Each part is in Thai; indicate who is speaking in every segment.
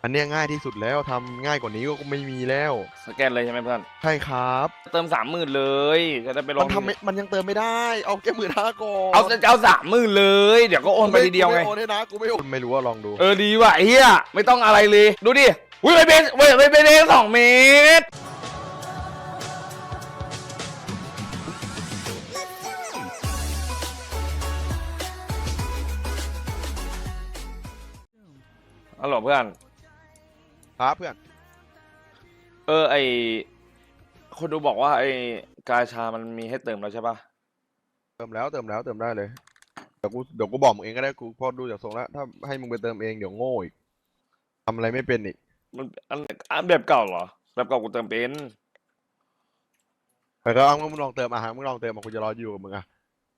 Speaker 1: อันเนี้ยง่ายที่สุดแล้วทำง่ายกว่านี้ก็ไม่มีแล้ว
Speaker 2: สแกนเลยใช่ไหมเพื่อน
Speaker 1: ใช่ครับ
Speaker 2: เติม30,000เลยจะได้ไปล
Speaker 1: มั
Speaker 2: องที
Speaker 1: นทำไม่มันยังเติมไม่ได้เอาแค่15,000ก่อ
Speaker 2: เอา
Speaker 1: น
Speaker 2: จะเอา30,000เลยเดี๋ยวก็โอนไปทีเดียวไง
Speaker 1: กูไม่โอนให้นะกูไม่โอนไม่รู้ว่าลองดู
Speaker 2: ดีว่ะเฮียไม่ต้องอะไรเลยดูดิอุ้ยไปเป็นเอง2 เมตรอ๋อเหรอเพื่อน
Speaker 1: ครับเพื่อน
Speaker 2: ไอคนดูบอกว่าไอกาชามันมีให้เติมแล้วใช่ปะ
Speaker 1: เติมได้เลยเดี๋ยวกูบอกมึงเองก็ได้กูพอดูจากทรงแล้วถ้าให้มึงไปเติมเองเดี๋ยวโง่อีกทำอะไรไม่เป็นอีก
Speaker 2: มันอันแบบเก่าเหรอแบบเก่ากูเติมเป็น
Speaker 1: แต่ก็เอามึงลองเติมมึงลองเติมกูจะรออยู่กับมึงอะ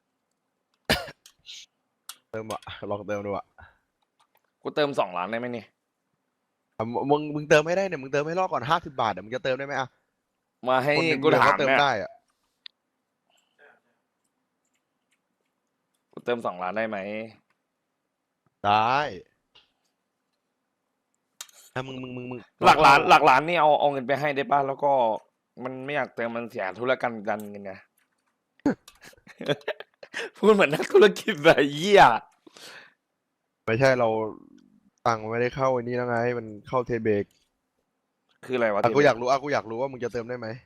Speaker 1: เติมอะลองเติมดูอะ
Speaker 2: กูเติม2 ล้านได้ไหมนี่
Speaker 1: มึงเติมไม่ได้เนี่ยมึงเติมให้รอดก่อน50 บาทเดี๋ยวมึงจะเติมได้ไหมอะ
Speaker 2: มาให้
Speaker 1: คนใน
Speaker 2: กู
Speaker 1: เมืองเขา
Speaker 2: ถามเนี่ย
Speaker 1: เติมได้อะ
Speaker 2: กูเติม2 ล้านได้ไหม
Speaker 1: ได้ถ้ามึง
Speaker 2: หลักล้าน
Speaker 1: เข้า
Speaker 2: หลักล้านนี่เอาเงินไปให้ได้ป่ะแล้วก็มันไม่อยากเติมมันเสียธุรกันดารเงินไง พูดเหมือนนักธุรกิจแบบเหี้ย
Speaker 1: ไม่ใช่เราตังค์มันไม่ได้เข้าไอ้นี่แล้วไงมันเข้าเทเบก
Speaker 2: คืออะไรวะ
Speaker 1: กูอยาก
Speaker 2: ทีเนี้ย
Speaker 1: รู้ว่ามึงจะเติมได้ไหม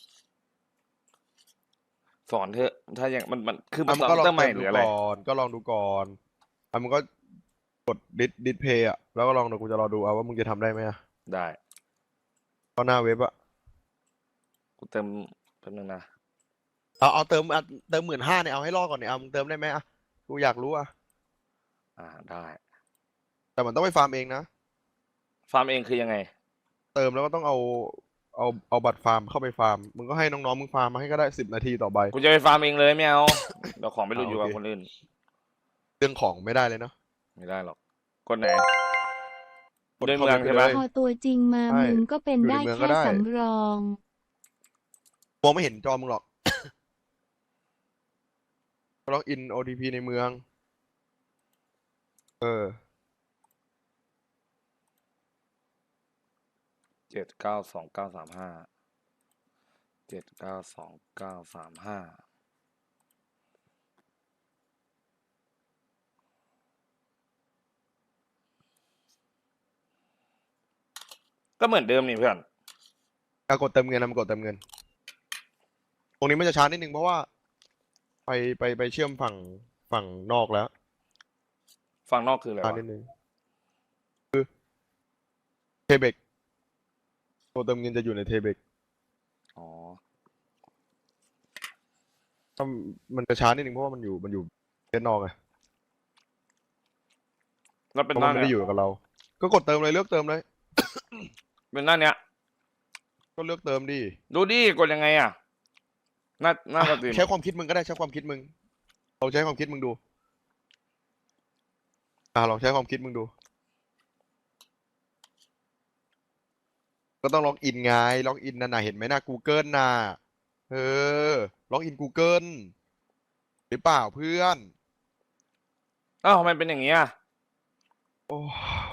Speaker 2: สอนเถอะถ้าอย่างมันคือมัน
Speaker 1: มึงก็ลอง
Speaker 2: สอนเติมให
Speaker 1: เติมดู
Speaker 2: ม่หรืออะไร
Speaker 1: ก่อนก็ลองดูก่อนมึงก็กดดิสเพย์อะแล้วก็ลองดูกูจะรอดูเอาว่ามึงจะทำได้ไหมอะ
Speaker 2: ได้
Speaker 1: ก็หน้าเว็บอะ
Speaker 2: กูเติมแป๊บนึงนะ
Speaker 1: เอาเติม15,000เนี่ยเอาให้รอดก่อนเนี่ยเอามึงเติมได้ไหมอะกูอยากรู้อะ
Speaker 2: ได้
Speaker 1: แต่มันต้องไปฟาร์มเองนะ
Speaker 2: ฟาร์มเองคือยังไง
Speaker 1: เติมแล้วก็ต้องเอาบัตรฟาร์มเข้าไปฟาร์มมึงก็ให้น้องๆมึงฟาร์มมาให้ก็ได้10 นาทีต่อใบ
Speaker 2: กูจะไปฟาร์มเองเลยไม่เอาเดี๋ยวของไปหลุดอยู่
Speaker 1: โอเค
Speaker 2: กับคนอื่น
Speaker 1: เรื่องของไม่ได้เลยเนาะ
Speaker 2: ไม่ได้หรอกกดไหน
Speaker 1: กด
Speaker 2: ใน
Speaker 1: เข้า
Speaker 2: เมืองใช่ปะ
Speaker 1: เว็บไปเลย
Speaker 3: พอตัวจริงมา
Speaker 1: ใช่
Speaker 3: มึงก็เป็น
Speaker 1: อยู่ใน
Speaker 3: ได้
Speaker 1: เมืองก็
Speaker 3: แค่
Speaker 1: ได้
Speaker 3: สำรอง
Speaker 1: มองไม่เห็นจอมึงหรอกล็อกอิน OTP ในเมืองเออ
Speaker 2: 7929357922935ก็เหมือนเดิมนี่เพื่อน
Speaker 1: กดเติมเงินนะมันกดเติมเงินตรงนี้มันจะช้านิดนึงเพราะว่าไปเชื่อมฝั่งนอกแล้ว
Speaker 2: ฝั่งนอกคืออะไร
Speaker 1: ช้า
Speaker 2: วะ
Speaker 1: นิดนึงเทเบกตัวเติมเงินจะอยู่ในเทเบก
Speaker 2: อ๋อ
Speaker 1: ถ้ามันจะช้านิดนึงเพราะว่ามันอยู่เทนนอกไง
Speaker 2: แล้ว
Speaker 1: เพราะมันไม่
Speaker 2: เป็นหน้าเนี้ย
Speaker 1: ได้อยู่กับเราก็กดเติมเลยเลือกเติมเลย
Speaker 2: เป็นหน้าเนี้ย
Speaker 1: ก็เลือกเติมดิ
Speaker 2: ดูดิกดยังไงอ่ะหน้าสตรีม
Speaker 1: ใช้ความคิดมึงก็ได้ใช้ความคิดมึงเราใช้ความคิดมึงดูลองใช้ความคิดมึงดูก็ต้องล็อกอินไงล็อกอินน่ะเห็นไหมน่ะ Google น่ะเออล็อกอิน Google หรือเปล่าเพื่อน
Speaker 2: อ้าวทำไมเป็นอย่างนี้อ่ะ
Speaker 1: โอ้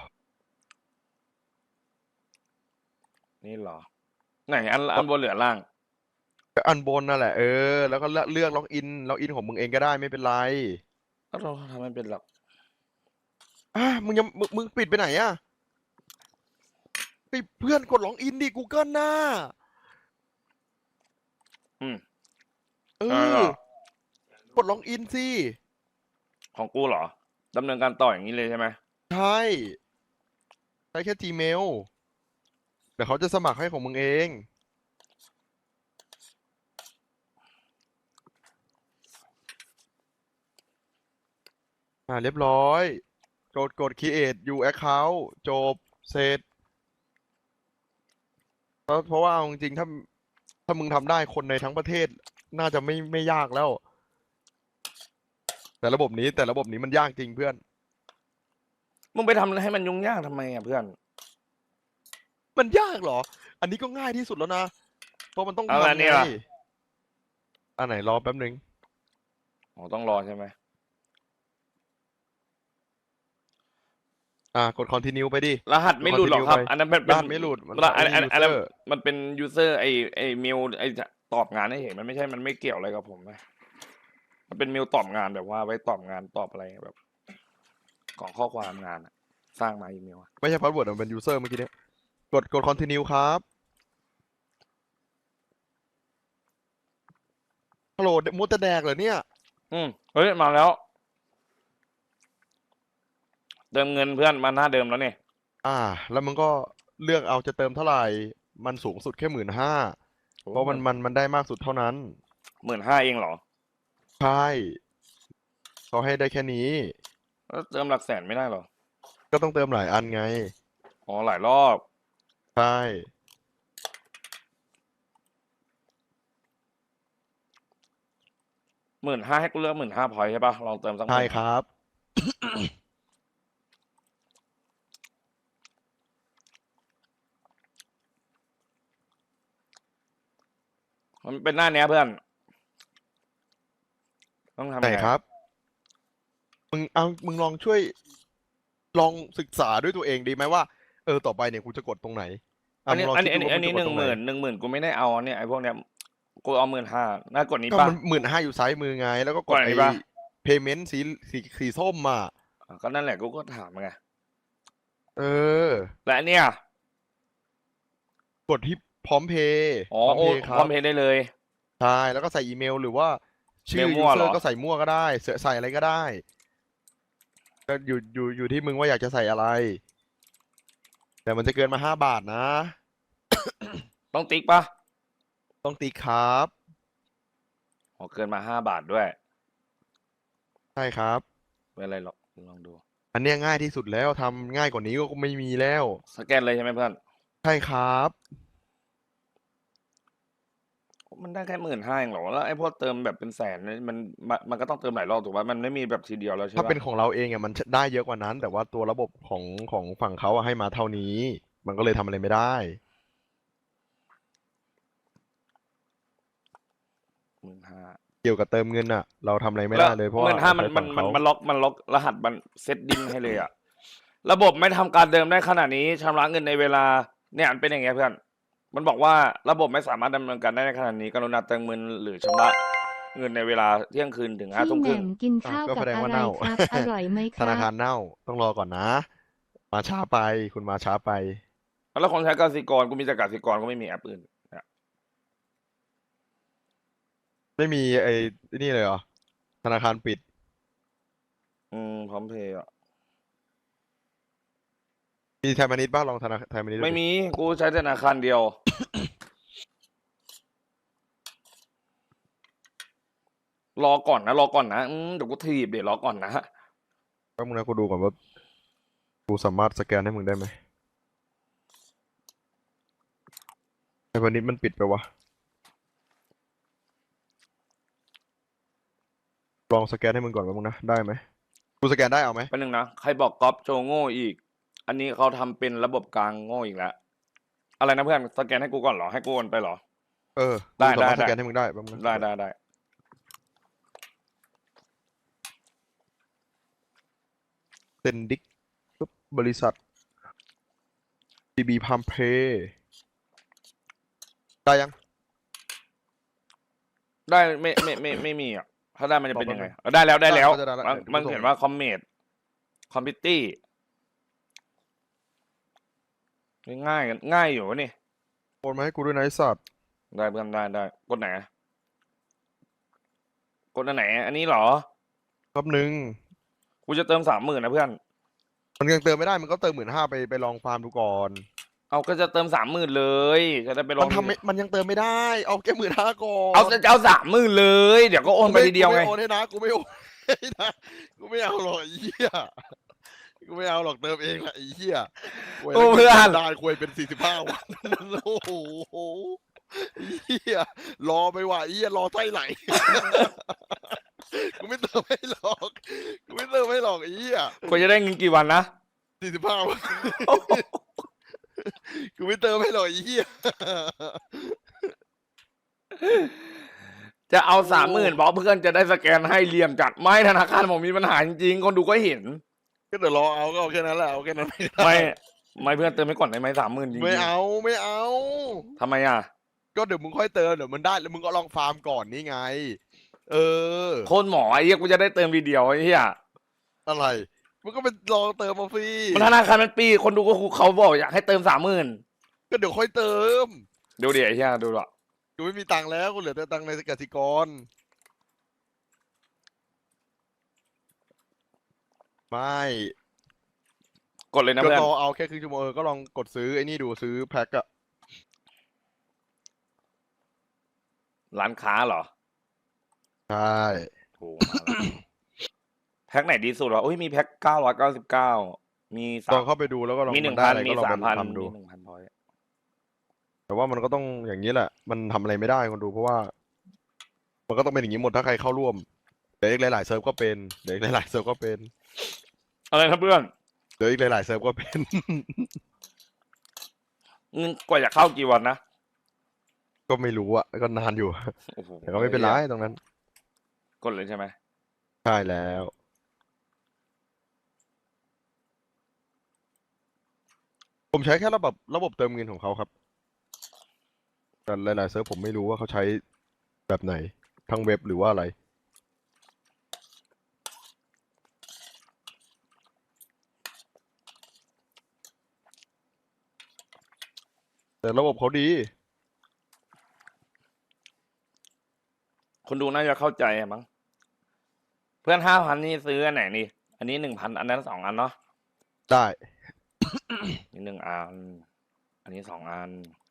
Speaker 2: นี่เหรอไหนอันบนเหลือล่าง
Speaker 1: ก็อันบนนั่นแหละแล้วก็เลือกล็อกอินของมึงเองก็ได้ไม่เป็นไร
Speaker 2: ก็เราทำไม่เป็นหรอก
Speaker 1: มึงปิดไปไหนอ่ะปิดเพื่อนกดล็อกอินดิ Google น่ะ
Speaker 2: อืม
Speaker 1: เอ
Speaker 2: อะไรหร
Speaker 1: อ
Speaker 2: อ
Speaker 1: กดล็อกอินสิ
Speaker 2: ของกูเหรอดำเนินการต่ออย่างนี้เลยใช่ไหม
Speaker 1: ใช่ใช้แค่ Gmail เดี๋ยวเขาจะสมัครให้ของมึงเองเรียบร้อยกด create new account จบเสร็จเพราะว่าเอาจริงๆถ้ามึงทำได้คนในทั้งประเทศน่าจะไม่ยากแล้วแต่ระบบนี้มันยากจริงเพื่อน
Speaker 2: มึงไปทำให้มันยุ่งยากทำไมอ่ะเพื่อน
Speaker 1: มันยากเหรออันนี้ก็ง่ายที่สุดแล้วนะเพราะมันต้อง
Speaker 2: เอาอัน
Speaker 1: ทำไง
Speaker 2: นี้ล่ะ
Speaker 1: อันไหนรอแป๊บนึง
Speaker 2: อ๋อต้องรอใช่ไหม
Speaker 1: กด continue ไปดิ
Speaker 2: รหัส
Speaker 1: กด
Speaker 2: ไม่หลุดหรอกครับ
Speaker 1: continue ไป
Speaker 2: อันนั้นเป็น
Speaker 1: รหัสไม่หลุดมัน
Speaker 2: อัน
Speaker 1: only
Speaker 2: อันนั้น
Speaker 1: user
Speaker 2: มันเป็นยูเซอร์ไอเมลไอตอบงานให้เห็นมันไม่ใช่มันไม่เกี่ยวอะไรกับผมนะมันเป็นเมลตอบงานแบบว่าไว้ตอบงานตอบอะไรแบบของข้อความงานอะสร้างมาอีเมลอะ
Speaker 1: ไม่ใช่ password มันเป็น user เมื่อกี้เนี้ยกด continue ครับฮัลโหลมุดจะแดกเหรอเนี่ย
Speaker 2: เฮ้ยมาแล้วเติมเงินเพื่อนมาหน้าเดิมแล้วเนี่ย
Speaker 1: แล้วมึงก็เลือกเอาจะเติมเท่าไหร่มันสูงสุดแค่15,000เพราะมันได้มากสุดเท่านั้น
Speaker 2: 15,000เองเหรอ
Speaker 1: ใช่เขาให้ได้แค่นี้
Speaker 2: แล้วเติมหลักแสนไม่ได้เหรอ
Speaker 1: ก็ต้องเติมหลายอันไง
Speaker 2: อ๋อหลายรอบ
Speaker 1: ใช่
Speaker 2: 15,000ให้กูเลือก15,000พอยใช่ปะลองเติมสัก
Speaker 1: ใช่ครับ
Speaker 2: มันเป็นหน้าเนี้ยเพื่อนต้องทำ
Speaker 1: ไหน
Speaker 2: ไง
Speaker 1: ครับ มึงลองช่วยลองศึกษาด้วยตัวเองดีไหมว่าต่อไปเนี่ยกูจะกดตรงไหน
Speaker 2: อันนี้
Speaker 1: มึงลอง
Speaker 2: อัน
Speaker 1: คิด
Speaker 2: นี้
Speaker 1: ดูว่า
Speaker 2: อันนี้
Speaker 1: มึงจะกดตรงไหน
Speaker 2: 10,000กูไม่ได้เอาเนี่ยไอ้พวกเนี้ยกูเอา15,000น่ากดนี้
Speaker 1: ก็
Speaker 2: ปะ
Speaker 1: มัน15,000อยู่ซ้ายมือไง แล้วก็ก
Speaker 2: ก
Speaker 1: ด
Speaker 2: ดอันนี้
Speaker 1: ไอ้
Speaker 2: ปะ
Speaker 1: payment สีส้มอ่ะ
Speaker 2: ก็นั่นแหละกูก็ถามไง
Speaker 1: เออ
Speaker 2: และอันเนี่ย
Speaker 1: กดที่พร้อมเพย์
Speaker 2: อ๋อ
Speaker 1: พร้อม
Speaker 2: โอ้
Speaker 1: เพย์ค
Speaker 2: พ
Speaker 1: รั
Speaker 2: ร้อบ มเพย์ได้เลย
Speaker 1: ใช่แล้วก็ใส่อีเมลหรือว่าชื่อ
Speaker 2: เมลมั่วเหรอ
Speaker 1: user ก็ใส่มั่วก็ได้ใส่อะไรก็ได้ก็อยู่ที่มึงว่าอยากจะใส่อะไร แต่มันจะเกินมา5 บาทนะ
Speaker 2: ต้องติ๊กปะ
Speaker 1: ต้องตีครับ
Speaker 2: อ๋อเกินมา5 บาทด้วย
Speaker 1: ใช่ครับ
Speaker 2: เป็นอะไรหรอกลองดู
Speaker 1: อันเนี้ยง่ายที่สุดแล้วทำง่ายกว่านี้ก็ไม่มีแล้ว
Speaker 2: สแกนเลยใช่ไหมเพื่อน
Speaker 1: ใช่ครับ
Speaker 2: มันได้แค่15,000เองเหรอแล้วไอ้พวกเติมแบบเป็นแสนเนี่ยมันก็ต้องเติมหลายรอบถูกปะมันไม่มีแบบทีเดียวแล้วใช่
Speaker 1: ถ้า
Speaker 2: ปะ
Speaker 1: เป็นของเราเองอ่ะมันได้เยอะกว่านั้น แต่ว่าตัวระบบของฝั่งเขาอะให้มาเท่านี้ มันก็เลยทำอะไรไม่ได้
Speaker 2: 15,000
Speaker 1: เกี่ยวกับเติมเงินอ่ะ เราทำอะไรไม่ได้เลยเพราะว่า
Speaker 2: 15,000มัน
Speaker 1: ใช้ฝั่งเขา
Speaker 2: มันล็อกรหัสมันเซตดิ้งให้เลยอะระบบไม่ทำการเดิมได้ขนาดนี้ชำระเงินในเวลาเนี่ยมันเป็นอย่างเงี้ยเพื่อน มันบอกว่าระบบไม่สามารถดำเนินการได้ในขณะนี้กรุณาเติมเงินหรือชำระเงินในเวลาเที่ยงคืนถึง
Speaker 3: พี่
Speaker 2: 5 ทุ่ม
Speaker 3: แห
Speaker 2: ครึ่
Speaker 3: ม่
Speaker 2: ง
Speaker 3: มกินข้าว
Speaker 1: ก็
Speaker 3: กับ
Speaker 1: แสดง
Speaker 3: อะ
Speaker 1: ว่า
Speaker 3: ไร
Speaker 1: เน่า
Speaker 3: ครับ อร่อยไหมค
Speaker 1: ธ
Speaker 3: รั
Speaker 1: นา
Speaker 3: บ
Speaker 1: คารเน่าต้องรอก่อนนะ มาช้าไปคุณมาช้าไป
Speaker 2: แล้วคนใช้กสิกรกูมีแต่กสิกรก็ไม่มีแอปอื่นเนี่ย
Speaker 1: ไม่มีไอ้นี่เลยเหรอธนาคารปิด
Speaker 2: พร้อมเพย์อ่ะ
Speaker 1: มีไทยพาณิชย์บ้างลองธนาคารไทยพาณิชย์ดู
Speaker 2: ไม่
Speaker 1: ดิ
Speaker 2: มีกูใช้ธนาคารเดียว รอก่อนนะเดี๋ยวกูถีบเดี๋ยวรอก่อนนะ
Speaker 1: แป๊บนึงนะกูดูก่อนว่ากูสามารถสแกนให้มึงได้ไหมไทยพาณิชย์มันปิดไปวะลองสแกนให้มึงก่อนแป๊บนึงนะได้ไหมกูสแกนได้เอาไหม
Speaker 2: เป็นหนึ่งนะใครบอกก๊อปโจโง่อีก อันนี้เขาทำเป็นระบบกลางโง่อีกแล้ว อะไรนะเพื่อนสแกนให้กูก่อนเหรอให้กูโอนไปเหรอ ได้
Speaker 1: กูสามารถ
Speaker 2: ได้
Speaker 1: สแกนให้มึงได้แป๊บนึงนะ
Speaker 2: ได้
Speaker 1: เซนดิกปุ๊บบริษัท CB พัมเพย์ได้ยัง
Speaker 2: ได้ไม่มีอ่ะถ้าได้มันจะเป็นยังไง
Speaker 1: บอก
Speaker 2: ได้แล้ว
Speaker 1: ได้แล้ว
Speaker 2: มัน
Speaker 1: เดี๋ยวกูส่ง
Speaker 2: เขียนว่าคอมเมดคอมพิวตี้ง่ายอยู่วะนี่
Speaker 1: โอนมาให้กูด้วยนะไอ้สัตว์
Speaker 2: ได้เพื่อนได้กดไหนกดอันไหน อันนี้เหรอ
Speaker 1: แป๊บนึง
Speaker 2: กูจะเติม30,000นะเพื่อน
Speaker 1: มันยังเติมไม่ได้มันก็เติม15,000ไปลองฟาร์มดูก่อน
Speaker 2: เอาก็จะเติม30,000เลยจะได้ไปลอง
Speaker 1: มันยังเติมไม่ได้ เอาแค่15,000ก่อน
Speaker 2: เอา30,000เลย เดี๋ยวก็โอนไปทีเดียวไง
Speaker 1: กูม่โอนให้นะกูไม่โอนให้นะกูไม่เอาหรอกไอ้เหี้ยกูไม่เอาหรอกเติมเองแหละไอ้เหี้ย
Speaker 2: โอ้เพื่อน
Speaker 1: ได้คุยเป็น45 วันโอ้โหไอ้เหี้ยรอไปว่ะไอ้เหี้ยรอไส้ไหล กูไม่เติมให้หรอกกูไม่เติมให้หรอกไอ้เหี้ย
Speaker 2: กูจะได้เงินกี่วันนะ
Speaker 1: 45 วันกูไม่เติมให้หรอกไอ้เหี้ย
Speaker 2: จะเอา30,000บอกเพื่อนจะได้สแกนให้เหลี่ยมจัดไม่ธนาคารผมมีปัญหาจริงๆคนดูก็เห็น
Speaker 1: ก็เดี๋ยวรอเอาก็เอาแค่นั้นแหละเอาแค่นั้นไม่ได้
Speaker 2: ไม่เพื่อนเติมไม่ก่อนได้ไหม30,000จริง
Speaker 1: ไม่
Speaker 2: ๆ
Speaker 1: เอาไม่เอา
Speaker 2: ทำไมอ่ะ
Speaker 1: ก็เดี๋ยวมึงค่อยเติมเดี๋ยวมันได้แล้วมึงก็ลองฟาร์มก่อนนี่ไง เออ
Speaker 2: โคตรหมอไอ้เหี้ยกูจะได้เติมทีเดียวไอ้เหี้ย
Speaker 1: อะไรมึงก็ไปลองเติมมาฟรี
Speaker 2: มันธนาคารมันปีคนดูก็เขาบอกอยากให้เติม30,000
Speaker 1: ก็เดี๋ยวค่อยเติม
Speaker 2: ดูดิไอ้เหี้ยดูดิ
Speaker 1: กูไม่มีตังค์แล้วกูเหลือแต่ตังค์ในกสิกรไม่
Speaker 2: กดเลยนะ
Speaker 1: ก็
Speaker 2: เพื่อน
Speaker 1: รอเอาแค่ครึ่งชั่วโมงก็ลองกดซื้อไอ้นี่ดูซื้อแพ็คอะ
Speaker 2: ร้านค้าเหรอ
Speaker 1: ใช่
Speaker 2: โอ้มาแล้ว แพ็คไหนดีสุดวะโอ้ยมีแพ็ค999มี
Speaker 1: ลองเข้าไปดูแล้วก็ลอง
Speaker 2: มี
Speaker 1: มันได้อะไร
Speaker 2: 1,000มี
Speaker 1: ก็ลองไป
Speaker 2: 3,000
Speaker 1: ทำดู
Speaker 2: มี1,000พอย
Speaker 1: แต่ว่ามันก็ต้องอย่างนี้แหละ มันทำอะไรไม่ได้คนดูเพราะว่า มันก็ต้องเป็นอย่างนี้หมดถ้าใครเข้าร่วมเดี๋ยวอีกหลายๆเซิร์ฟก็เป็นเดี๋ยวอีกหลายๆเซิร์ฟก็เป็น
Speaker 2: อะไรนะเพื่อน
Speaker 1: เดี๋ยวอีกหลายๆเซิร์ฟก็เป็น
Speaker 2: กว่าจะเข้ากี่วันนะ
Speaker 1: ก็ไม่รู้อะก็นานอยู่
Speaker 2: โอ้โห
Speaker 1: แต่ก็ไม่เป็นไรตรงนั้น
Speaker 2: กดเลยใช่ไหม
Speaker 1: ใช่แล้ว ผมใช้แค่ระบบเติมเงินของเขาครับแต่หลายๆเซิร์ฟผมไม่รู้ว่าเขาใช้แบบไหนทั้งเว็บหรือว่าอะไร แต่ระบบเขาดี
Speaker 2: คนดูน่าจะเข้าใจอะมั้งเพื่อน5,000นี่ซื้ออันไหนนี่อันนี้1,000อันนั้น2 อันเนาะ
Speaker 1: ได้
Speaker 2: นี่1 อันอันนี้2 อัน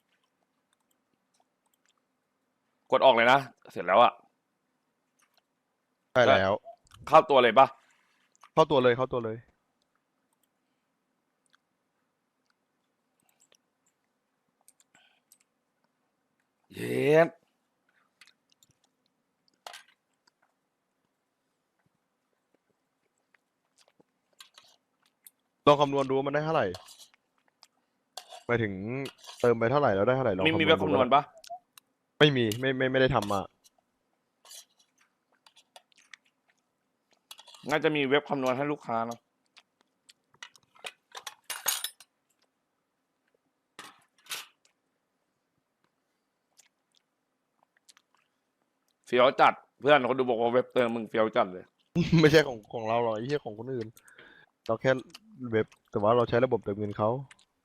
Speaker 2: กดออกเลยนะเสร็จแล้วอะ
Speaker 1: ใช่แล้ว
Speaker 2: เข้าตัวเลยปะ
Speaker 1: เข้าตัวเลยเข้าตัวเลย
Speaker 2: เย็ด
Speaker 1: ลองคำนวณดูว่ามันได้เท่าไหร่หมายถึงเติมไปเท่าไหร่แล้วได้เท่าไหร่ลอง
Speaker 2: มีแบบคำนวณปะ
Speaker 1: ไม่มีไม่ได้ทำมา
Speaker 2: น่าจะมีเว็บคำนวณให้ลูกค้าเนาะเฟี้ยวจัดเพื่อนคนดูบอกว่าเว็บเติมมึงเฟี้ยวจัดเลย
Speaker 1: ไม่ใช่ของเราหรอกไอ้เหี้ยของคนอื่น เราแค่เว็บแต่ว่าเราใช้ระบบเติมเงินเขา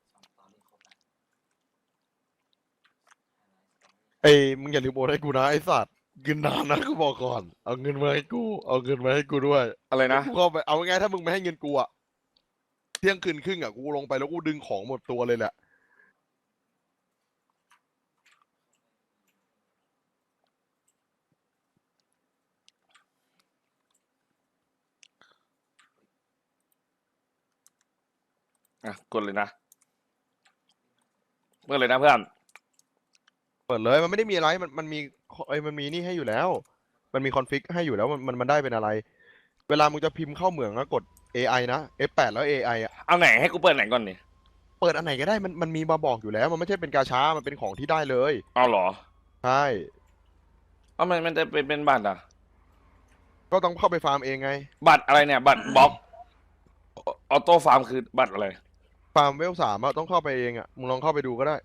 Speaker 1: เอ้ยมึงอย่าลืมโอนให้กูนะไอ้สัตว์เงินนานนะกูบอกก่อนเอาเงินมาให้กูเอาเงินมาให้กูด้วย
Speaker 2: อะไรนะ
Speaker 1: กูเข้าไปเอาง่ายๆถ้ามึงไม่ให้เงินกูอะเที่ยงคืนครึ่งอะกูลงไปแล้วกูดึงของหมดตัวเลยแหละ
Speaker 2: อ่ะกดเลยนะเมื่อเลยนะเพื่อน
Speaker 1: เปิดเลยมันไม่ได้มีอะไรมันมีมันมีนี่ให้อยู่แล้ว มันมีคอนฟิกให้อยู่แล้วมันได้เป็นอะไร เวลามึงจะพิมพ์เข้าเหมืองก็กด AI นะ F8 แล้ว AI อ่ะ
Speaker 2: เอาไหนให้กูเปิดไหนก่อนนี่
Speaker 1: เปิดอันไหนก็ได้มันมีมาบอกอยู่แล้ว มันไม่ใช่เป็นกาชามันเป็นของที่ได้เลย
Speaker 2: เอาเหรอ
Speaker 1: ใช่
Speaker 2: เอามันจะเป็นบัตรอ่ะ
Speaker 1: ก็ต้องเข้าไปฟาร์มเองไง
Speaker 2: บัตรอะไรเนี่ยบัตรบล็อกออโต้ฟาร์มคือบัตรอะไร
Speaker 1: ฟาร์มเวล 3อะต้องเข้าไปเองอะมึงลองเข้าไปดูก็ได้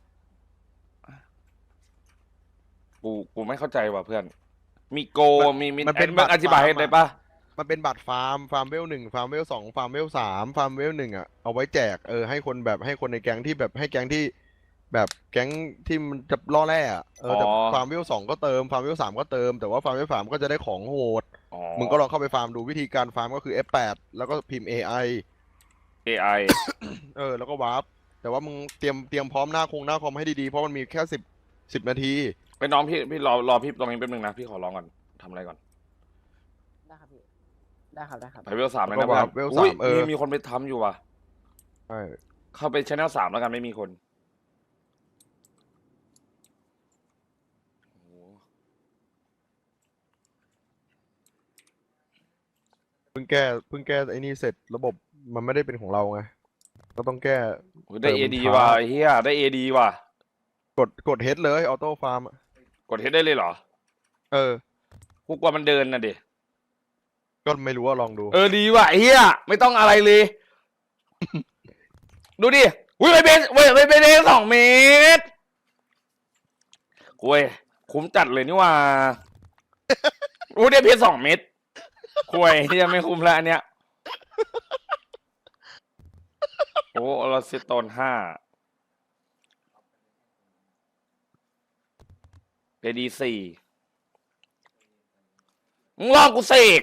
Speaker 2: กูไม่เข้าใจว่ะเพื่อน มีโกมี
Speaker 1: มันเป็น
Speaker 2: อธิบายให้ได้ปะ
Speaker 1: มันเป็นบัตรฟาร์มเวล 1ฟาร์มเวล 2ฟาร์มเวล 3ฟาร์มเวล 1อะเอาไว้แจกให้คนแบบให้คนในแก๊งที่แบบให้แก๊งที่แบบแก๊งที่มันจะล่อแร่อะแต่ฟาร์มเวล 2ก็เติมฟาร์มเวล 3ก็เติมแต่ว่าฟาร์มเวล 3ก็จะได้ของโหด
Speaker 2: อ๋อ
Speaker 1: มึงก็ลองเข้าไปฟาร์มดูวิธีการฟาร์มก็คือ F8 แล้วก็พิมพ์ AI
Speaker 2: AI
Speaker 1: แล้วก็วาร์ปแต่ว่ามึงเตรียมพร้อมหน้าคอมให้ดีๆเพราะมันมีแค่10 นาที
Speaker 2: ไปน้องพี่รอพี่ตรงนี้แป๊บนึงนะพี่ขอร้องก่อนทำอะไรก่อน
Speaker 3: ได้ครับพี่ ได้ครับ ได้ครับ
Speaker 2: ไปเวล 3เลย
Speaker 1: แล้
Speaker 2: นะ
Speaker 1: วก็
Speaker 2: เพื่อน
Speaker 1: เวล
Speaker 2: อุ้ย
Speaker 1: 3
Speaker 2: มีคนไปทำอยู่ว่ะ
Speaker 1: ใช่
Speaker 2: เข้าไปช anel 3แล้วกันไม่มีคนโอ้โห
Speaker 1: เพิ่งแก้ไอ้นี่เสร็จระบบมันไม่ได้เป็นของเราไงก็ต้องแก้
Speaker 2: โอ้ยได้
Speaker 1: เติม
Speaker 2: AD
Speaker 1: ช้า
Speaker 2: ว่ะไอ้เฮียได้ AD ว่ะ
Speaker 1: กดเฮดเลยออโต้ฟาร์ม
Speaker 2: กดเฮดได้เลยเหรอ
Speaker 1: เออ
Speaker 2: กูกลัวมันเดินนะเด็
Speaker 1: ก็ก็ไม่รู้ว่าลองดู
Speaker 2: ดีว่ะไอ้เฮียไม่ต้องอะไรเลย ดูดิอุ้ยไปเป็น2 เมตรคุยคุ้มจัดเลยนี่ว่าอุ้ยได้เพชร2 เม็ดคุยที่ยังไม่คุ้มแล้วอันเนี้ยโอ้ลาซิโตน5เพดี4มึงลองกูเสก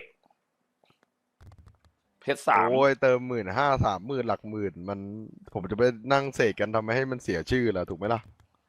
Speaker 2: เพชร3
Speaker 1: โอ้ยเติม15,000 30,000หลักหมื่นมันผมจะไปนั่งเสกกันทำไมให้มันเสียชื่อล่ะถูกไหมล่ะ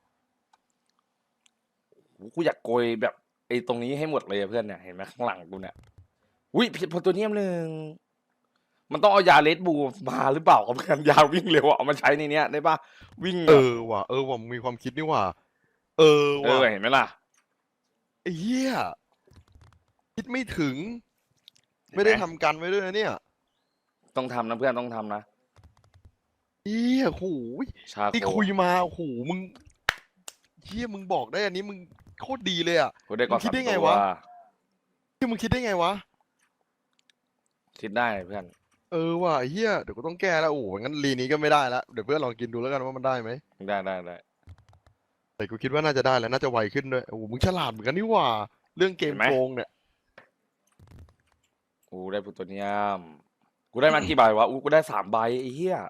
Speaker 2: กูอยากโกยแบบไอ้ตรงนี้ให้หมดเลยอะเพื่อนเนี่ยเห็นไหมข้างหลังกูเนี่ยอุ้ยโพโทเนียม1มันต้องเอายาเลดบูมาหรือเปล่ากับการยาวิ่งเร็วอะเอามาใช้ในเนี้ยได้ปะวิ่ง
Speaker 1: ว่ะว่ะมีความคิดนี่ว่ะว่ะ
Speaker 2: เห็นไหมล่ะ
Speaker 1: ไอ้เหี้ยคิดไม่ถึง ไม่ได้ทำกันไว้ด้วยนะเนี่ย
Speaker 2: ต้องทำนะเพื่อนต้องทำนะ
Speaker 1: เหี้ยโหย
Speaker 2: ชา
Speaker 1: ที่
Speaker 2: โค
Speaker 1: คุยมาโอ้โหมึงเหี้ยมึงบอกได้อันนี้มึงโคตรดีเลยอ่ะ
Speaker 2: กูได้ก่อน
Speaker 1: มึงคิดได้
Speaker 2: 3
Speaker 1: ไง
Speaker 2: ตัว
Speaker 1: วะ ที่มึงคิดได้ไงวะ
Speaker 2: คิดได้เพื่อน
Speaker 1: ว่ะไอ้เหี้ยเดี๋ยวกูต้องแก้แล้วโอ้โหงั้นรีนี้ก็ไม่ได้แล้วเดี๋ยวเพื่อนลองกินดูแล้วกันว่ามันได้ไหม
Speaker 2: ได้
Speaker 1: แต่กูคิดว่าน่าจะได้แล้วน่าจะไวขึ้นด้วยโอ้โหมึงฉลาดเหมือนกันนี่หว่า เรื่องเกมโกงเนี่ย
Speaker 2: กูได้พลูโตเนียมกูได้มากี่ใบวะกูได้3 ใบไอ้เหี้ย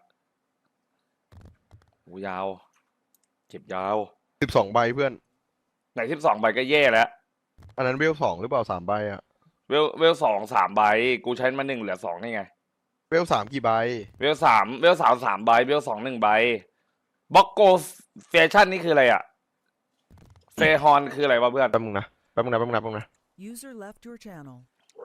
Speaker 2: กูยาว เก็บยาว
Speaker 1: 12 ใบเพื่อน
Speaker 2: ไหน12 ใบก็แย่แล้ว
Speaker 1: อันนั้นเวล2หรือเปล่า3 ใบอ่ะ
Speaker 2: เวล2 3 ใบกูใช้มา1เหลือ2นี่ไง
Speaker 1: เวล3กี่ใบ
Speaker 2: เวล3 ใบเวล2 1 ใบบล็อกโกแฟชั่นนี่คืออะไรอะเฟฮอนคืออะไรวะเพื่อน
Speaker 1: แป๊บนึงนะแป๊บนึงนะ
Speaker 4: User left your channel.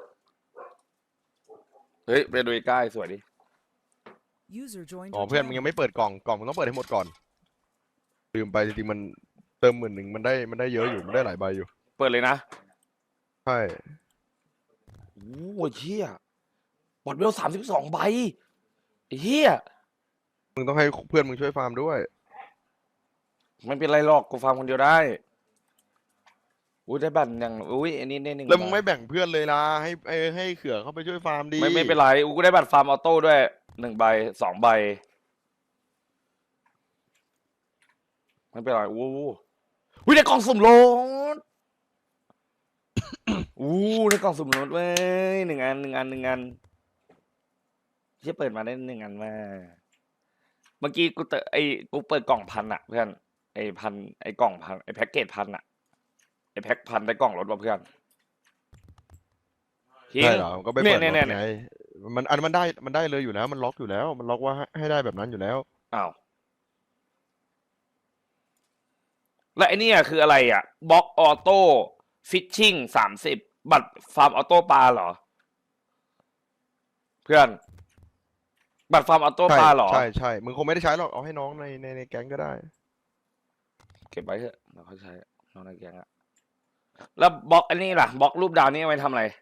Speaker 2: เฮ้ยไปดูใกล้สวยดิ
Speaker 4: User joined
Speaker 1: อ๋อ
Speaker 4: your
Speaker 1: เพื่อนมึง
Speaker 4: channel.
Speaker 1: ยังไม่เปิดกล่องมึงต้องเปิดให้หมดก่อนลืมไปจริงๆมันเติม10,000มันได้เยอะอยู่มันได้หลายใบอยู่
Speaker 2: เปิดเลยนะ
Speaker 1: ใช่
Speaker 2: โอ้ยเหี้ยบอดเวล32 ใบไอ้เหี้ย
Speaker 1: มึงต้องให้เพื่อนมึงช่วยฟาร์มด้วย
Speaker 2: ไม่เป็นไรหรอกกูฟังคนเดียวได้อุ้ยได้บัตรอย่างอุ้ยอันนี้ได้1
Speaker 1: แล้วมึง
Speaker 2: ใบ
Speaker 1: ไม่แบ่งเพื่อนเลยล่ะให้เขื่อเข้าไปช่วยฟาร์มดี
Speaker 2: ไม่เป็นไรกูได้บัตรฟาร์มออโต้ด้วย1 ใบ 2 ใบไม่เป็นไรอู้อุ้ยได้กล่องสุ่มรถ อู้ได้กล่องสุ่มรถเว้ย1 อันที่เปิดมาได้1 อันมาเมื่อกี้กูเปิดกล่อง1,000อะเพื่อนไอ้กล่อง1,000ไอ้แพ็กเกจ1,000อะไอ้แพ็ค1,000ได้กล่องรถว่ะเพื่อนจริง
Speaker 1: ใช่เหรอมันก็ไปเปิด
Speaker 2: เนี่ย
Speaker 1: รถไงมันได้เลยอยู่แล้วมันล็อกอยู่แล้วมันล็อกว่าให้ได้แบบนั้นอยู่แล้ว
Speaker 2: อ้าวแล้วไอ้นี่คืออะไรอ่ะบล็อกออโต้ฟิชชิ่ง30บัตรฟาร์มออโต้ปลาเหรอ เพื่อน บัตรฟาร์มออโต้ปลาเหรอ
Speaker 1: ใช่มึงคงไม่ได้ใช้หรอกเอาให้น้องในแก๊งก็ได้
Speaker 2: เก็บไว้เถอะเราเขาใช้น้องในแกงอะแล้วบล็อกอันนี้ล่ะบล็อกรูปดาวนี่เอาไว้ทำอะไร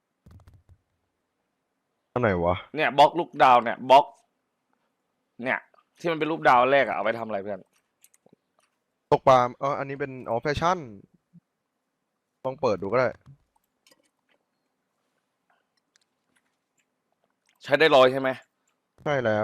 Speaker 1: อันไหนวะ
Speaker 2: เนี่ยบล็อกลูกดาวเนี่ยบล็อก เนี่ย ที่มันเป็นรูปดาวแรกอะเอาไว้ทำอะไรเพื่อน
Speaker 1: ตกปลาอันนี้เป็นแฟชั่นลองเปิดดูก็ได้
Speaker 2: ใช้ได้100ใช่ไหม
Speaker 1: ใช่แล้ว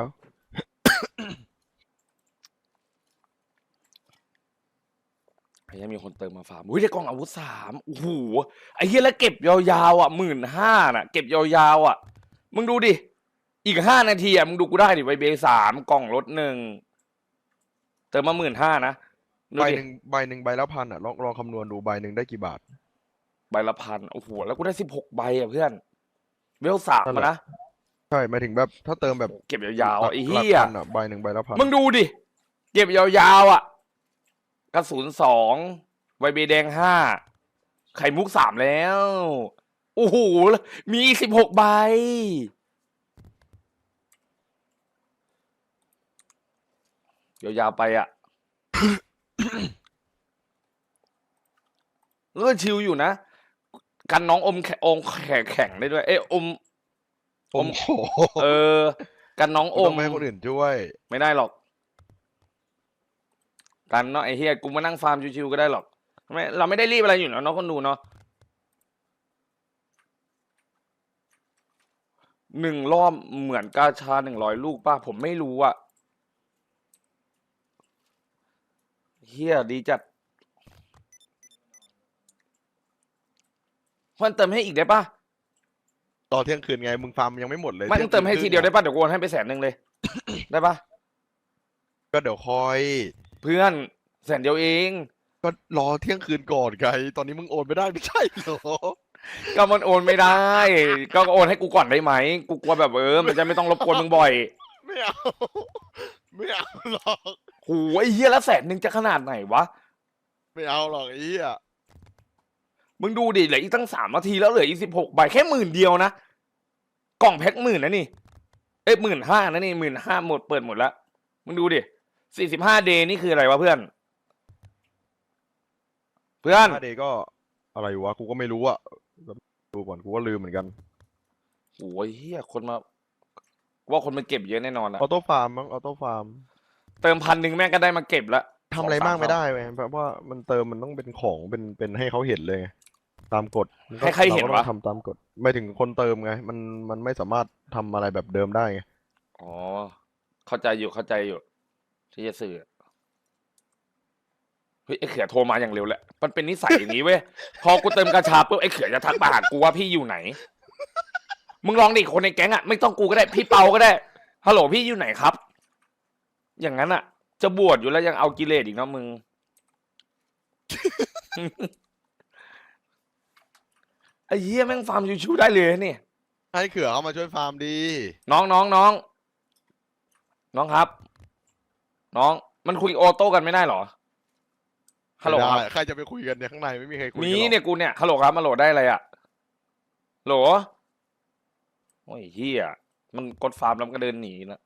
Speaker 2: ไอ้เหี้ยมีคนเติมมาฟาร์มอุ้ยได้กล่องอาวุธ3โอ้โหไอ้เหี้ยแล้วเก็บยาวๆอ่ะ15,000น่ะเก็บยาวๆอ่ะมึงดูดิอีก5 นาทีอ่ะมึงดูกูได้ดิไวเบ3กล่องรถ1เติมมา15,000นะดู
Speaker 1: ใบ
Speaker 2: ดิ
Speaker 1: หนึ่งใบละ1,000อ่ะลองคำนวณดูใบหนึ่งได้กี่บาท
Speaker 2: ใบละ1,000โอ้โหแล้วกูได้16 ใบอ่ะเพื่อนเวล3
Speaker 1: นั่นแห
Speaker 2: มา
Speaker 1: ละ
Speaker 2: นะ
Speaker 1: ใช่หมายถึงแบบถ้าเติมแบบ
Speaker 2: เก็บยาวๆอ่ะไอ้
Speaker 1: หลัก
Speaker 2: เหี้ย
Speaker 1: พันอ่ะใบหนึ่งใบละ1,000
Speaker 2: มึงดูดิเก็บยาวๆอ่ะกระสุน2ไวเบแดง5ไข่มุก3แล้วโอ้โหมีอีก16 ใบยาวๆไปอ่ะ ก็ชิวอยู่นะ กันน้องอมแข็งได้ด้วย เอ้ยอม
Speaker 1: โอ้โห
Speaker 2: กันน้องอ
Speaker 1: ต้อ
Speaker 2: ม
Speaker 1: งไม่ให้คนอื่นช่วย
Speaker 2: ไม่ได้หรอก กันเนาะไอ้เฮียกูมานั่งฟาร์มชิวๆก็ได้หรอกไม่เราไม่ได้รีบอะไรอยู่เนาะคนดูเนาะ 1 รอบเหมือนกาชา100 ลูกป่ะผมไม่รู้อะเฮียดีจัดเพิ่มเติมให้อีกได้ป่ะ
Speaker 1: ต่อเที่ยงคืนไงมึงฟาร์มยังไม่หมดเลย
Speaker 2: ไม่ต้องเติมให้ทีเดียวได้
Speaker 1: ปะ
Speaker 2: ป่ะเดี๋ยวกูโอนให้ไป100,000เลย ได้ป่ะ
Speaker 1: ก็เดี๋ยวคอย
Speaker 2: เพื่อน100,000เอง
Speaker 1: ก็รอเที่ยงคืนก่อนไงตอนนี้มึงโอนไม่ได้ไม่ใช่เหรอ
Speaker 2: ก็มันโอนไม่ได้ ก็โอนให้กูก่อนได้ไหมกูกลัวแบบมันจะไม่ต้องรบกวนมึงบ่อย
Speaker 1: ไม่เอา ไม่เอาหรอก
Speaker 2: โหไอ้เหี้ยแล้ว100,000จะขนาดไหนวะ
Speaker 1: ไม่เอาหรอกไอ้เหี้ย
Speaker 2: มึงดูดิเหลืออีกตั้ง3 นาทีแล้วเหลืออีก16 ใบแค่10,000เดียวนะกล่องแพ็ค10,000นะนี่เอ้ย15,000นะนี่15,000หมดเปิดหมดแล้วมึงดูดิ45 เดย์นี่คืออะไรวะเพื่อน เพื่อน
Speaker 1: ถ้าเดย์ก็อะไรวะกูก็ไม่รู้อะดูก่อนกูก็ลืมเหมือนกัน
Speaker 2: โอ้ยเฮียคนมาว่าคนมาเก็บเยอะแน่นอนอะ
Speaker 1: ออโต้ฟาร์มมั้งออโต้ฟาร์ม
Speaker 2: เติม1,000แม่งก็ได้มาเก็บละ
Speaker 1: ทำอะไรมากไม่
Speaker 2: 2-3
Speaker 1: ได้เว้ยเพราะว่ามันเติมมันต้องเป็นของเป็นให้เขาเห็นเลยไงตามกฎมันก็
Speaker 2: ให้ใครเห็น
Speaker 1: ราก็ต้
Speaker 2: วะ
Speaker 1: องทำตามกฎไม่ถึงคนเติมไงมันไม่สามารถทำอะไรแบบเดิมได้ไง
Speaker 2: อ๋อเข้าใจอยู่ที่จะสื่อเฮ้ยไอ้เขือโทรมาอย่างเร็วแหละมันเป็นนิสัยอย่างนี้เว้ยพอกูเติมกระชาปุ๊บไอ้เขือจะทักมาหากูว่าพี่อยู่ไหน มึงลองดิคนในแก๊งอะไม่ต้องกูก็ได้พี่เปาก็ได้ฮัลโหลพี่อยู่ไหนครับ อย่างนั้นอะจะบวชอยู่แล้วยังเอากิเลสอีกเนาะมึง ไอ้เหี้ยแม่งฟาร์มชิวๆได้เลยนี่
Speaker 1: ให้เขือเขามาช่วยฟาร์มดี
Speaker 2: น้องครับ น้องมันคุยโอโต้กันไม่ได้เหรอฮัลโหล
Speaker 1: ไม่
Speaker 2: ครับ
Speaker 1: ได้ใครจะไปคุยกันเนี่ยข้างในไม่มีใครคุยกัน
Speaker 2: มี
Speaker 1: หรอก
Speaker 2: เนี่ยกูเนี่ยฮัลโหลครับมาโหลได้อะไรอะโหลโอ้ยเฮียมันกดฟาร์มแล้วมันก็เดินหนีนะ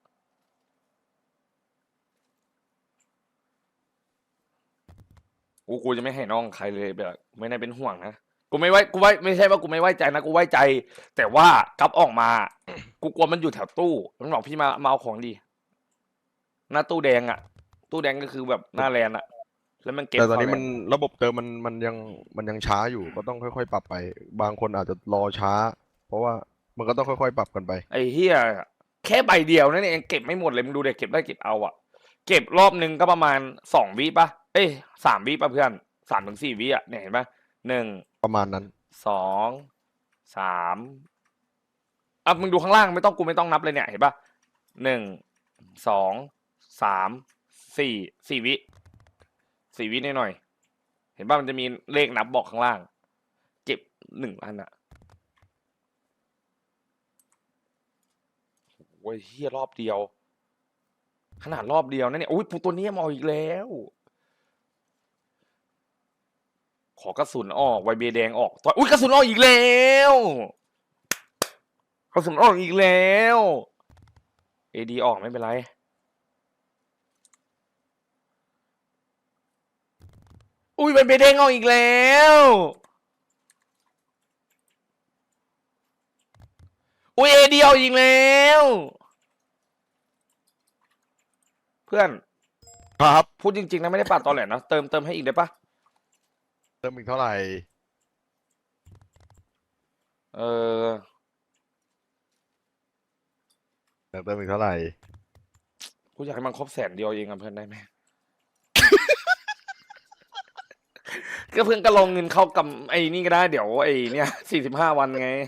Speaker 2: กูจะไม่ให้น้องใครเลยแบบไม่ได้เป็นห่วงนะกูไม่ใช่ว่ากูไม่ไว้ใจนะกูไว้ใจ แต่ว่ากลับออกมา กูกลัวมันอยู่แถวตู้มันบอกพี่มาเอาของดีหน้าตู้แดงอะตู้แดงก็คือแบบหน้าแลนอะแล้วมันเก็บ
Speaker 1: แต่ตอนนี้
Speaker 2: เข้า
Speaker 1: มันระบบเติมมันยังช้าอยู่ก็ต้องค่อยๆปรับไป บางคนอาจจะรอช้า เพราะว่ามันก็ต้องค่อยๆปรับกันไป
Speaker 2: ไอ้เฮียแค่ใบเดียวนั่นเองเก็บไม่หมดเลยมึงดูเด็กเก็บได้เก็บเอาอะเก็บรอบนึงก็ประมาณ2 วิป่ะเอ้ย3 วิป่ะเพื่อน3 ถึง 4 วิอะเนี่ยเห็นป่ะ1
Speaker 1: ประมาณนั้น
Speaker 2: 2 3อ่ะมึงดูข้างล่างไม่ต้องนับเลยเนี่ยเห็นป่ะ1 2 3 4 วิ4 วิหน่อยๆเห็นป่ะมันจะมีเลขนับบอกข้างล่าง เก็บ1 อันอะโอ้ยเฮียรอบเดียว ขนาดรอบเดียวนะเนี่ยอุ้ยปูตัวนี้มาอีกแล้ว ขอกระสุนออกไวเบแดงออกอุ้ยกระสุนออกอีกแล้วกระสุนออกอีกแล้วเอดีออกไม่เป็นไรอุ้ยไวเบแดงออกอีกแล้วอุ้ยเอดีออกอีกแล้วเพื่อน
Speaker 1: ครับ
Speaker 2: พูดจริงๆนะไม่ได้ปาดตอแหลนะเติมให้อีกได้ปะ
Speaker 1: เติมอีกเท่าไหร่
Speaker 2: เออ
Speaker 1: เติมอีกเท่าไหร่
Speaker 2: กูอยากให้มันครบ100,000เดียวเองอะเพื่อนได้ไหม ก็เพื่อนก็ลงเงินเข้ากับไอ้นี่ก็ได้เดี๋ยวไอ้เนี่ย45 วันไง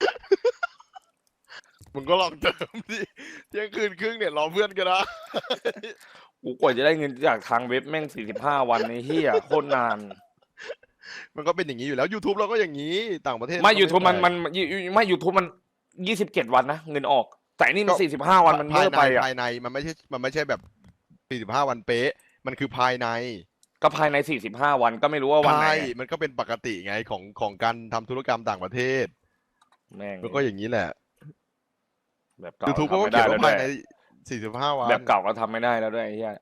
Speaker 1: มึงก็ลองเติมดิเที่ยงคืนครึ่งเนี่ยรอเพื่อนกันนะ
Speaker 2: กูกว่าจะได้เงินจากทางเว็บแม่ง45 วันไอ้เหี้ยโคตรนาน
Speaker 1: มันก็เป็นอย่างนี้อยู่แล้ว YouTube เราก็อย่างนี้ต่างประเทศ
Speaker 2: ไม่
Speaker 1: ก็
Speaker 2: YouTube
Speaker 1: แปลก
Speaker 2: ไม่ YouTube มัน27 วันนะเงินออก แต่อันนี่มัน45 วันมันเมื่อไปอะ
Speaker 1: ภายในมันไม่ใช่แบบ45 วันเป๊ะ มันคือภายใน
Speaker 2: ก็ภายใน45 วันก็ไม่รู้ว่าวันไหน
Speaker 1: ใช่มันก็เป็นปกติไงของการทำธุรกรรมต่างประเทศ
Speaker 2: แม่ง
Speaker 1: มันก็อย่างนี้แหละ
Speaker 2: แบบเก่า
Speaker 1: YouTube ก็
Speaker 2: ทำไม่
Speaker 1: เขี
Speaker 2: ได้
Speaker 1: ยน
Speaker 2: แล้ว
Speaker 1: ว่า
Speaker 2: ด้
Speaker 1: ภา
Speaker 2: วย
Speaker 1: ใน45 วัน
Speaker 2: แบบเก่าก็ทำไม่ได้แล้วด้วยไอ้เหี้ย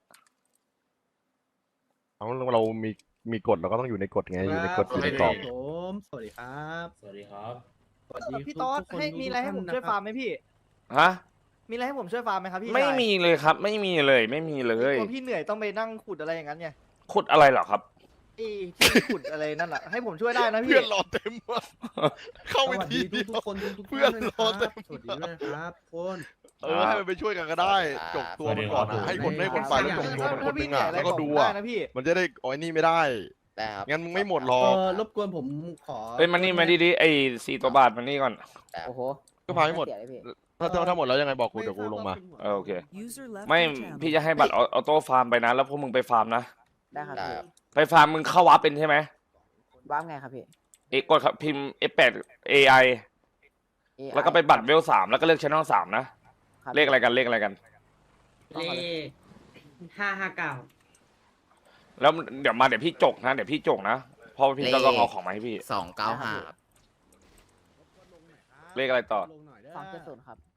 Speaker 1: เรามีกฎเราก็ต้องอยู่ในกฎไงอยู่ในกฎอยู่ในกรอบ
Speaker 5: ผมสวัสดีครับ
Speaker 6: สวัสดีครับ
Speaker 5: สวัสดี
Speaker 3: พี่ต๊อด
Speaker 5: ทุกคน
Speaker 3: ให้มีอะไรให้ผมช่วยฟาร์มไหมพี่
Speaker 2: ฮะ
Speaker 3: มีอะไรให้ผมช่วยฟาร์มไหมครับพี่
Speaker 2: ไม่
Speaker 3: ชาย
Speaker 2: มีเลยครับ ไม่มีเลยไม่มีเลย
Speaker 3: กลัวพี่เหนื่อยต้องไปนั่งขุดอะไรอย่างนั้นไง
Speaker 2: ขุดอะไรเหรอครับ
Speaker 3: ที่ขุดอะไรนั่นแหละให้ผมช่วยได้นะพี่
Speaker 1: เพื่อนรอเต็มว่ะเข้า
Speaker 5: ส
Speaker 1: ไป
Speaker 5: วัส
Speaker 1: ที
Speaker 5: ดี
Speaker 1: เดียว
Speaker 5: ทุกๆคนทุกๆ
Speaker 1: เพื่อน
Speaker 5: ท่า
Speaker 1: รอเต็
Speaker 5: ด้วย
Speaker 1: ม
Speaker 5: สวัสดีด้วยนะครับทุกคน
Speaker 1: ให้มันไปช่วยกันก็ได้ จกตัวมันก่อนอะให้คนไปแล้วจกตัวมันคนนึงอ่ะแล้วก็ดูอ่ะ
Speaker 3: นะพี่
Speaker 1: มันจะได้อ๋อไอ้นี่ไม่ได้
Speaker 6: ได้ครับ
Speaker 1: งั้นมึงไม่หมดหรอก
Speaker 5: รบกวนผมขอ
Speaker 2: เฮ้ยมันนี่มาดีๆไอ้4 ตัวบาทมันนี่ก่อน
Speaker 6: โอ้โห
Speaker 1: ก็พาให้หมด ถ้าหมดแล้วยังไงบอกกู
Speaker 5: ไม่
Speaker 1: เดี๋ยวกูลงมา
Speaker 2: เออโอเค
Speaker 4: User left
Speaker 2: ไม่
Speaker 4: your channel.
Speaker 2: พี่จะให้บัตรออโต้ฟาร์มไปนะ แล้วพวกมึงไปฟาร์มนะ
Speaker 7: ได้ครับ
Speaker 6: ได้
Speaker 7: พี่
Speaker 6: ครับ
Speaker 2: ไปฟาร์มมึงเข้าวาร์ปเป็นใช่ไหม
Speaker 7: ว้าร์ปไงครับพี่
Speaker 2: กดครับพิมพ์ F8 AI แล้วก็ไปบัตรเวล3แล้วก็เลือกช่อง3นะเลขอะไรกันเลขอะไรกัน
Speaker 8: เลข559
Speaker 2: แล้วเดี๋ยวมาเดี๋ยวพี่จกนะเดี๋ยวพี่จกนะเพราะว่าพี่ต้องเอาของมาให้พี่
Speaker 6: 295ครับ
Speaker 2: เลขอะไรต่อ
Speaker 5: ลงหน่อยได้
Speaker 7: 270ครับ